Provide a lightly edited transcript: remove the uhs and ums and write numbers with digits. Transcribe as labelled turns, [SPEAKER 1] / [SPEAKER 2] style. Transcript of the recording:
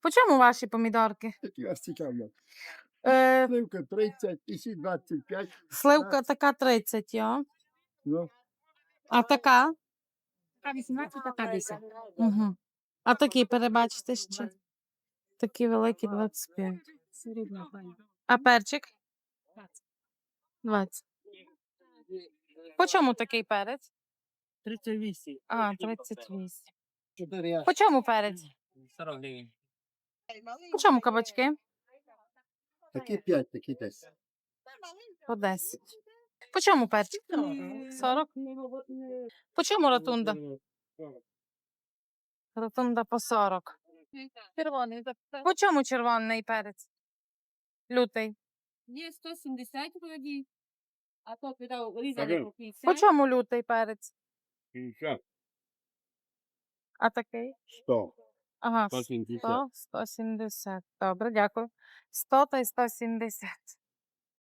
[SPEAKER 1] По чому ваші помідорки?
[SPEAKER 2] Які вас цікавлять?
[SPEAKER 1] Е,
[SPEAKER 2] Сливка 30, і сі 25.
[SPEAKER 1] Сливка така 30, йо.
[SPEAKER 2] Ну,
[SPEAKER 1] А така?
[SPEAKER 3] Така 18, така 10.
[SPEAKER 1] Угу. А такі перебачте ще. Такі великі 25.
[SPEAKER 3] Середня пані.
[SPEAKER 1] А перчик? 20. По чому такий перець?
[SPEAKER 3] 38.
[SPEAKER 1] А, 38.
[SPEAKER 3] 4.
[SPEAKER 1] По чому перець?
[SPEAKER 3] 40 гривень.
[SPEAKER 1] По чому кабачки?
[SPEAKER 2] такі 5, такі 10.
[SPEAKER 1] По 10. По чому перчик? 40. По чому ротунда? Ротунда по 40.
[SPEAKER 3] Червоний.
[SPEAKER 1] По чому червоний перець? Лютий.
[SPEAKER 3] Є 170 вроді. А то підав різаний по
[SPEAKER 1] По
[SPEAKER 3] 50.
[SPEAKER 1] чому лютий перець?
[SPEAKER 2] 50.
[SPEAKER 1] А такий?
[SPEAKER 2] 100.
[SPEAKER 1] Ага,
[SPEAKER 2] 170.
[SPEAKER 1] 100, 170. Добре, дякую. 100 та й 170.